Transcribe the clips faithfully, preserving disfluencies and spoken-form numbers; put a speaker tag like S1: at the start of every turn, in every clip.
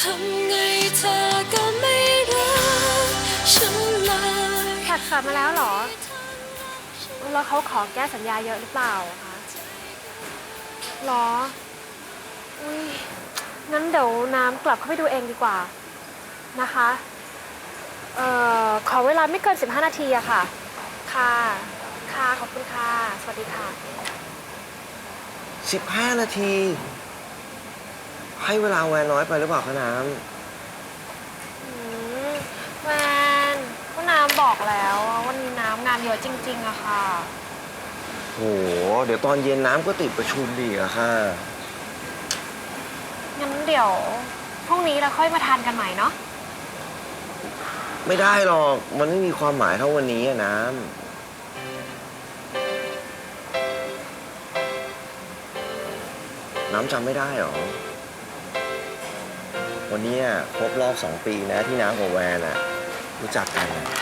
S1: ทำไงเธอก็ไม่รักฉันเลย
S2: ผัดกลับมาแล้วเหรอแล้วเขาขอแก้สัญญาเยอะหรือเปล่าคะหรออุ้ยงั้นเดี๋ยวน้ำกลับเข้าไปดูเองดีกว่านะคะเอ่อขอเวลาไม่เกินสิบห้านาทีอะค่ะค่ะค่ะขอบคุณค่ะสวัสดีค่ะ
S3: สิบห้านาที ให้เวลาแวนน้อยไปหรือเปล่าคะน้ำ
S2: แวนก็น้ำบอกแล้ววันนี้น้ำงานเยอะจริงๆอะค่ะ
S3: โหเดี๋ยวตอนเย็นน้ำก็ติดประชุมดีอะค่ะ
S2: งั้นเดี๋ยวพรุ่งนี้เราค่อยมาทานกันใหม่เนาะ
S3: ไม่ได้หรอกมันไม่มีความหมายเท่าวันนี้อะน้ำน้ำจำไม่ได้หรอวันนี้ครบรอบสองปีนะที่น้ำกับแวนอะรู้จักกันอะ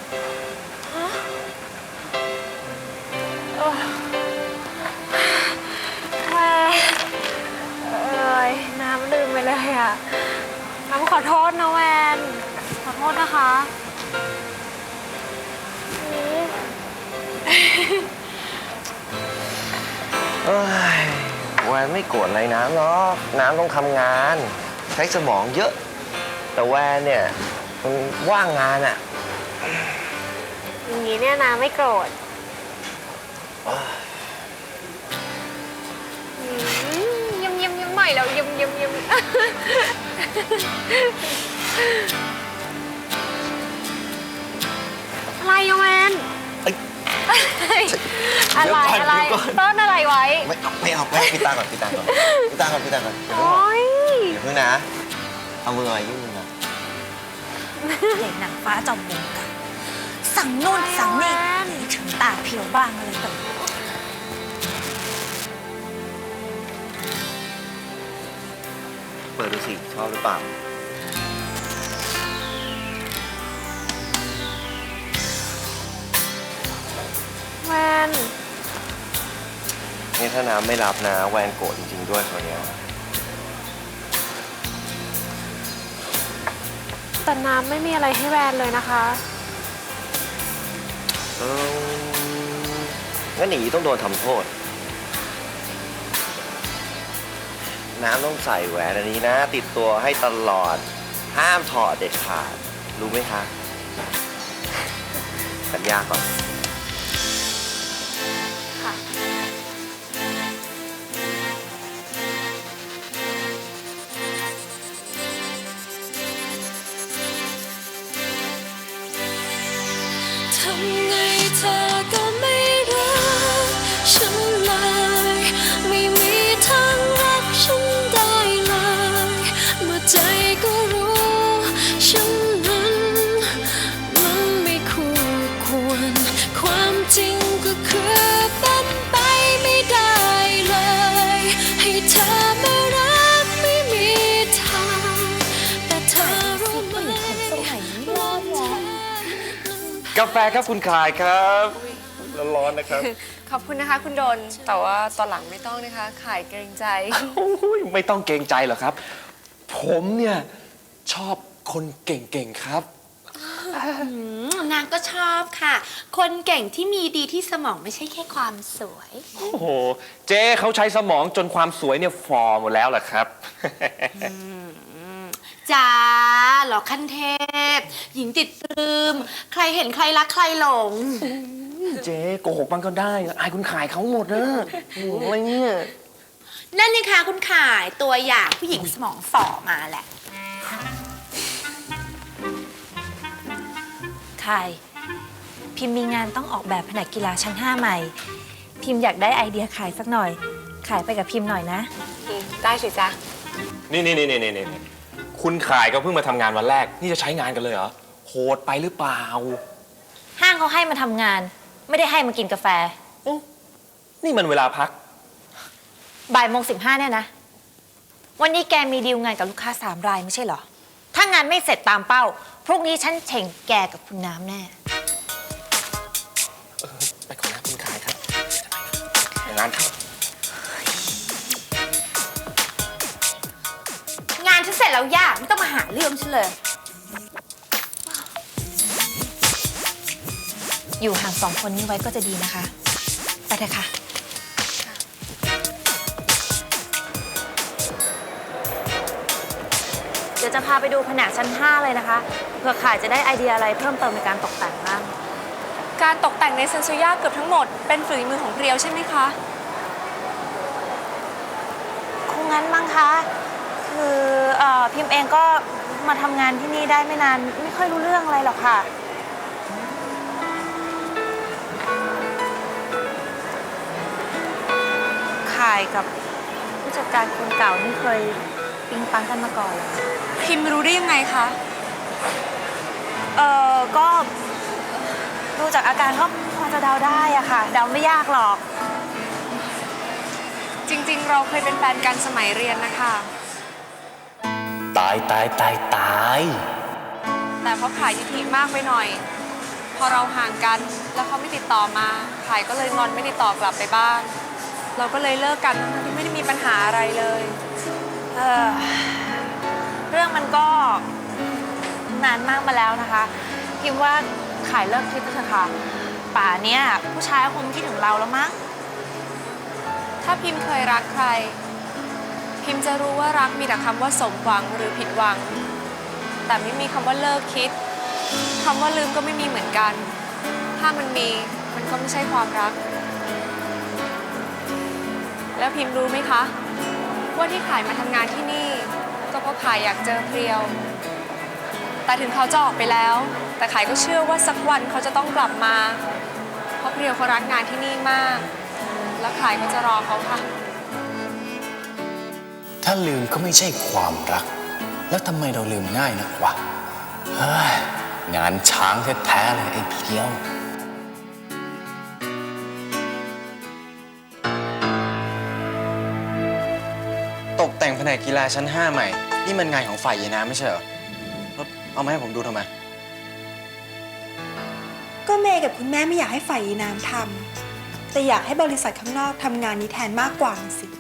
S2: แวนเอ้ยน้ำลืมไปเลยอะน้ำขอโทษนะแวนขอโทษนะคะ
S3: เอ้ยแวนไม่โกรธอะไรน้ำหรอกน้ำต้องทำงานใช้สมองเยอะแต่แวนเนี่ยมันว่างงานอะ
S2: อย่างนี้เนี่ยน้ำไม่โกรธยิ้มยิ้มยิ้มใหม่แล้วยิ้มยิ้มยิ้มอะไรอะแวนอะไรอะไรต้นอะไรไว้
S3: ไม่เอาไม่เอาไม่เอาพี่ตาก่อนพี่ตาก่อนพี่ตาก่อนพี่ตาก่อนอย่าเพิ่ง
S2: โอ๊ย
S3: อย่าเพิ่งนะเอามือมายื่นมือมา
S4: เด็กหนังฟ้าจอมบุญกันสั่งนู่นสั่งนี่ถึงตาเพียวบ้างอะไรแบบนี้
S3: เปิดดูสิชอบหรือเปล่า
S2: แวน
S3: นี่ถ้าน้ำไม่รับนะแวนโกรธจริงๆด้วยคนเนี้ย
S2: แต่น้ำไม่มีอะไรให้แวนเลยนะคะ
S3: เอองั้นหนีต้องโดนทำโทษน้ำต้องใส่แหวนอันนี้นะ ติดตัวให้ตลอดห้ามถอดเด็ดขาดรู้ไหมคะสัญญาก่อน
S2: ค่ะ
S1: ทำไงเธอก็ไม่รักฉันเลยไม่มีทางรักฉันได้เลยเมื่อใจก็รู้ฉันนั้นมันไม่คู่ควรความจริงก็คือเป็นไปไม่ได้เลยให้เธอมารักไม่มีทางแต่เธอรู้ไหมว่าเธอก
S5: าแฟครับคุณขายครับร้อนๆนะครับ
S6: ขอบคุณนะคะคุณโดนแต่ว่าตอนหลังไม่ต้องนะคะขายเกรงใจ
S5: โอ้ยไม่ต้องเกรงใจหรอกครับ ผมเนี่ยชอบคนเก่งๆครับ
S4: นางก็ชอบค่ะ คนเก่งที่มีดีที่สมองไม่ใช่แค่ความสวย
S5: โอ้โหเจ๊เขาใช้สมองจนความสวยเนี่ยฟอร์หมดแล้วล่ะครับ
S4: จ้าหรอขั้นเทพ หญิงติดปลื้มใครเห็นใครรักใครหลง
S5: เจ๊โกหกมันก็ได้อายคุณขายเขาหมดนะอะไรเนี่ย
S4: นั่นนี่คะคุณขายตัวอย่างผู้หญิงสมองฝ่อมาแหละใครพิมพ์มีงานต้องออกแบบแผนกกีฬาชั้นห้าใหม่ พิมพ์อยากได้ไอเดียขายสักหน่อย ขายไปกับพิมพ์หน่อยนะ
S6: ได้สิจ๊ะ
S5: นี่นี่นี่นี่นี่นี่คุณขายก็เพิ่งมาทำงานวันแรก นี่จะใช้งานกันเลยเหรอโหดไปหรือเปล่า
S4: ห้างเขาให้มาทำงาน ไม่ได้ให้มากินกาแฟ
S5: นี่มันเวลาพัก
S4: บ่ายโมงสิบห้าเนี่ยนะ วันนี้แกมีดีลงานกับลูกค้าสามรายไม่ใช่เหรอ ถ้างานไม่เสร็จตามเป้า พรุ่งนี้ฉันเฉ่งแกกับคุณน้ำแน่
S5: ไปก่อนนะคุณขายครับงานครับ
S4: งานฉันเสร็จแล้วยากไม่ต้องมาหาเรื่องฉันเลย อยู่ห่างสองคนนี้ไว้ก็จะดีนะคะ ไปเถอะค่ะ เดี๋ยวจะพาไปดูแผนกชั้นห้าเลยนะคะ เผื่อขายจะได้ไอเดียอะไรเพิ่มเติมในการตกแต่งบ้าง
S6: การตกแต่งในเซนซูย่าเกือบทั้งหมดเป็นฝีมือของเรียวใช่ไหมคะ
S4: คงงั้นมั้งคะ คือเอ่อพิมพ์เองก็มาทำงานที่นี่ได้ไม่นาน ไม่ค่อยรู้เรื่องอะไรหรอกค่ะ ข่ายกับผู้จัดการคนเก่านี่เคยปิ๊งปังกันมาก่อนเหรอ
S6: พิมรู้ได้ยังไงคะ
S4: เออก็ดูจากอาการก็พอจะเดาได้อะค่ะ เดาไม่ยากหรอก
S6: จริงๆ เราเคยเป็นแฟนกันสมัยเรียนนะคะ
S5: ตายตายตายตาย
S6: แต่เขาขายทิฐิมากไปหน่อย พอเราห่างกันแล้วเขาไม่ติดต่อมาขายก็เลยงอนไม่ติดต่อกลับไปบ้าง เราก็เลยเลิกกันทั้งที่ไม่ได้มีปัญหาอะไรเลย
S4: เออเรื่องมันก็นานมากมาแล้วนะคะ พิมว่าขายเลิกคิดเถอะค่ะ ป่าเนี้ยผู้ชายคงคิดถึงเราแล้วมั้ง
S6: ถ้าพิมเคยรักใคร พิมจะรู้ว่ารักมีแต่คำว่าสมหวังหรือผิดหวัง แต่ไม่มีคำว่าเลิกคิดคำว่าลืมก็ไม่มีเหมือนกัน ถ้ามันมีมันก็ไม่ใช่ความรัก แล้วพิมรู้ไหมคะ ว่าที่ขายมาทำงานที่นี่ ก็เพราะขายอยากเจอเพรียว แต่ถึงเขาจะออกไปแล้ว แต่ขายก็เชื่อว่าสักวันเขาจะต้องกลับมา เพราะเพรียวเขารักงานที่นี่มาก แล้วขายก็จะรอเขาค่ะ
S7: ถ้าลืมก็ไม่ใช่ความรัก แล้วทำไมเราลืมง่ายนักวะ เฮ้ย งานช้างแท้ๆเลยไอ้เพียว
S8: ตกแต่งแผนกกีฬาชั้นห้าใหม่ นี่มันงานของฝ่ายยายน้ำไม่ใช่เหรอแล้วเอามาให้ผมดูทำไม
S9: ก็เมย์กับคุณแม่ไม่อยากให้ฝ่ายยีน้ำทำแต่อยากให้บริษัทข้างนอกทำงานนี้แทนมากกว่าน่ะสิ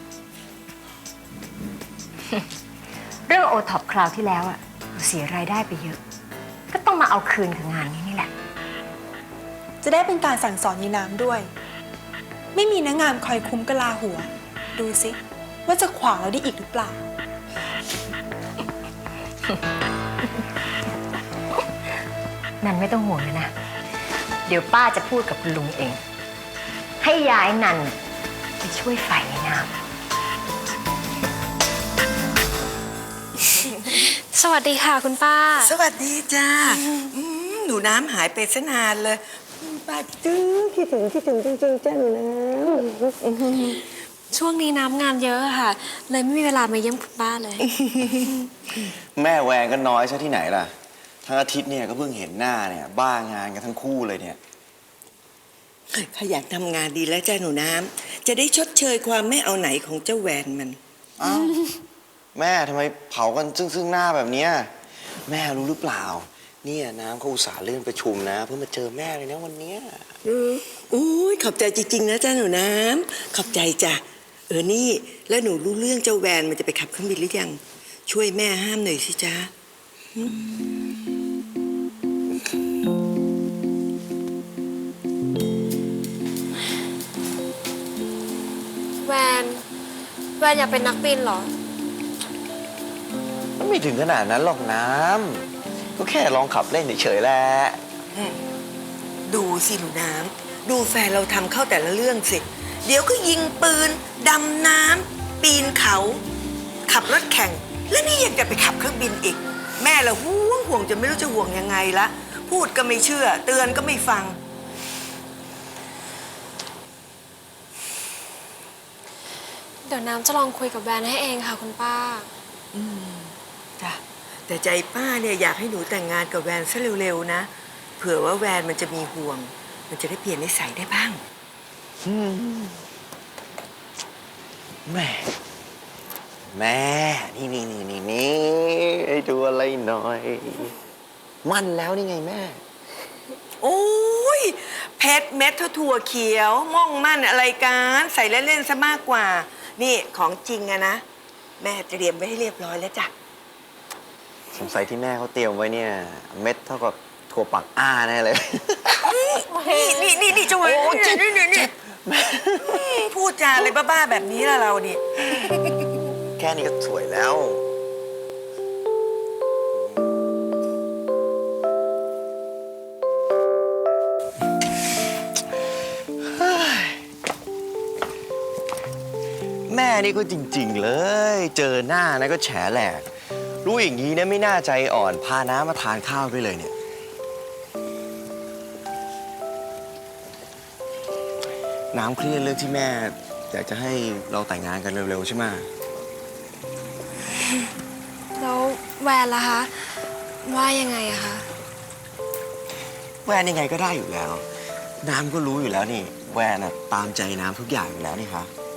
S10: เรื่องโอท็อปคราวที่แล้วอะเสียรายได้ไปเยอะ ก็ต้องมาเอาคืนกับงานนี้นี่แหละ
S9: จะได้เป็นการสั่งสอนยีน้ำด้วย ไม่มีนักงานคอยคุ้มกะลาหัว ดูสิว่าจะขวางเราได้อีกหรือเปล่า
S10: นันไม่ต้องห่วงเลยนะ เดี๋ยวป้าจะพูดกับคุณลุงเอง ให้ย้ายนันไปช่วยฝ่ายในน้ำ
S2: สวัสดีค่ะคุณป้า
S11: สวัสดีจ้าอืมหนูน้ำหายไปซะนานเลยอืมป้าคิดถึงคิดถึงคิดถึงจริงๆจ้าหนูน้ำ
S2: ช่วงนี้น้ำงานเยอะค่ะ เลยไม่มีเวลามาเยี่ยมคุณป้าเลย
S3: แม่แวงก็น้อยซะที่ไหนล่ะ ทั้งอาทิตย์เนี่ยก็เพิ่งเห็นหน้าเนี่ยบ้างานกันทั้งคู่เลยเนี่ย
S11: ขยันทำงานดีแล้วจ้าหนูน้ำจะได้ชดเชยความไม่เอาไหนของเจ้าแวนมัน
S3: อ้าวแม่ทำไมเผากันซึ่งซึ่งหน้าแบบเนี้ยแม่รู้หรือเปล่า เนี่ยน้ำเขาอุตส่าห์เลื่อนประชุมนะ เพื่อมาเจอแม่เลยนะวันเนี้ย
S11: อืออุ้ยขอบใจจริงๆนะจ้าหนูน้ำขอบใจจ้ะเออนี่แล้วหนูรู้เรื่องเจ้าแวนมันจะไปขับเครื่องบินหรือยังช่วยแม่ห้ามหน่อยสิจ้า
S2: แวนแวนอยากเป็นนักบินเหรอ
S3: ไม่ถึงขนาดนั้นหรอกน้ำก็แค่ลองขับเล่นเฉยๆแหละ
S11: ดูสิหนูน้ำดูแฟนเราทำเข้าแต่ละเรื่องสิ เดี๋ยวก็ยิงปืน ดำน้ำปีนเขา ขับรถแข่ง และนี่ยังจะไปขับเครื่องบินอีก แม่เราห่วงห่วงจนไม่รู้จะห่วงยังไงละ พูดก็ไม่เชื่อ เตือนก็ไม่ฟัง
S2: เดี๋ยวน้ำจะลองคุยกับแวนให้เองค่ะคุณป้า
S11: จ้ะแต่ใจป้าเนี่ยอยากให้หนูแต่งงานกับแวนซะเร็วๆนะ เผื่อว่าแวนมันจะมีห่วง มันจะได้เปลี่ยนนิสัยได้บ้าง
S3: แม่แม่นี่นี่นี่นี่นี่ให้ดูอะไรหน่อย มั่นแล้วนี่ไงแม่
S11: โอ้ยเพชรเม็ดเท่าถั่วเขียวม่องมั่นอะไรกันใส่เล่นๆซะมากกว่า นี่ของจริงอะนะ แม่เตรียมไว้ให้เรียบร้อยแล้วจ้ะ
S3: สงสัยที่แม่เขาเตรียมไว้เนี่ย เม็ดเท่ากับถั่วปักอ้าแน่เลย
S11: นี่นี่นี่นี่เจ้าเว้ยนี่นี่นี่พูดจาอะไรบ้าๆแบบนี้ล่ะเรานี่
S3: แค่นี้ก็สวยแล้ว แม่นี่ก็จริงๆเลย เจอหน้านะก็แฉแหลก รู้อย่างนี้เนี่ยไม่น่าใจอ่อนพาน้ามาทานข้าวด้วยเลยเนี่ย น้ำเครียดเรื่องที่แม่อยากจะให้เราแต่งงานกันเร็วๆใช่ไหม
S2: แล้วแวนล่ะคะ ว่ายังไงอะคะ
S3: แวนยังไงก็ได้อยู่แล้ว น้ำก็รู้อยู่แล้วนี่ แวนอะตามใจน้ำทุกอย่างอยู่แล้วนี่คะ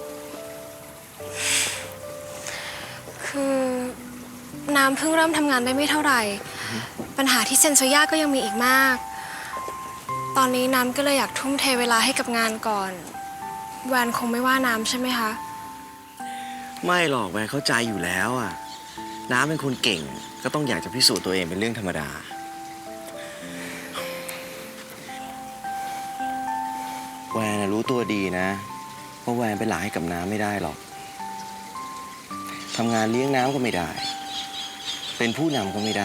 S2: คือน้ำเพิ่งเริ่มทำงานได้ไม่เท่าไหร่ ปัญหาที่เซนโซย่าก็ยังมีอีกมาก ตอนนี้น้ำก็เลยอยากทุ่มเทเวลาให้กับงานก่อน แวนคงไม่ว่าน้ำใช่ไหมคะ
S3: ไม่หรอกแวนเข้าใจอยู่แล้วอะน้ำเป็นคนเก่งก็ต้องอยากจะพิสูจน์ตัวเองเป็นเรื่องธรรมดา แวนน่ะรู้ตัวดีนะว่าแวนเป็นหลานให้กับน้ำไม่ได้หรอกทำงานเลี้ยงน้ำก็ไม่ได้ เป็นผู้นำก็ไม่ได้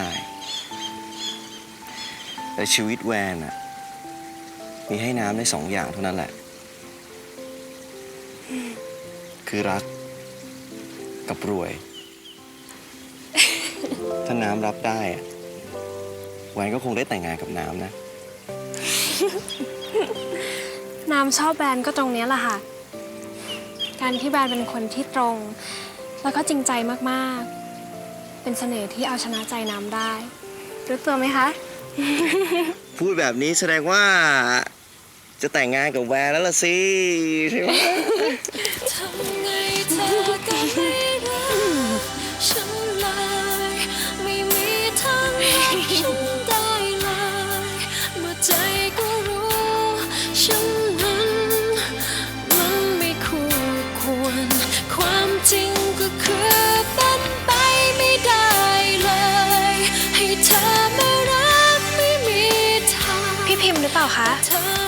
S3: แต่ชีวิตแวนอะมีให้น้ำได้สองอย่างเท่านั้นแหละ คือรักกับรวย ถ้าน้ำรับได้อะแวนก็คงได้แต่งงานกับน้ำนะ
S2: น้ำชอบแบรนด์ก็ตรงเนี้ยแหละค่ะ การที่แบรนด์เป็นคนที่ตรง แล้วก็จริงใจมากๆ เป็นเสน่ห์ที่เอาชนะใจน้ำได้ รู้ตัวไหมคะ
S3: พูดแบบนี้แสดงว่าจะแต่งงานกับแวนแล้วล่ะสิใช่ไหม
S1: ทำไงเธอก็ไม่รักฉันเลยไม่มีทางรักฉันได้เลยเมื่อใจก็รู้ฉันนั้นมันไม่คู่ควรความจริงก็คือเป็นไปไม่ได้เลยให้เธอมารักไม่มีทาง
S2: พี่พิมพ์หรือเปล่าคะ
S1: เธอ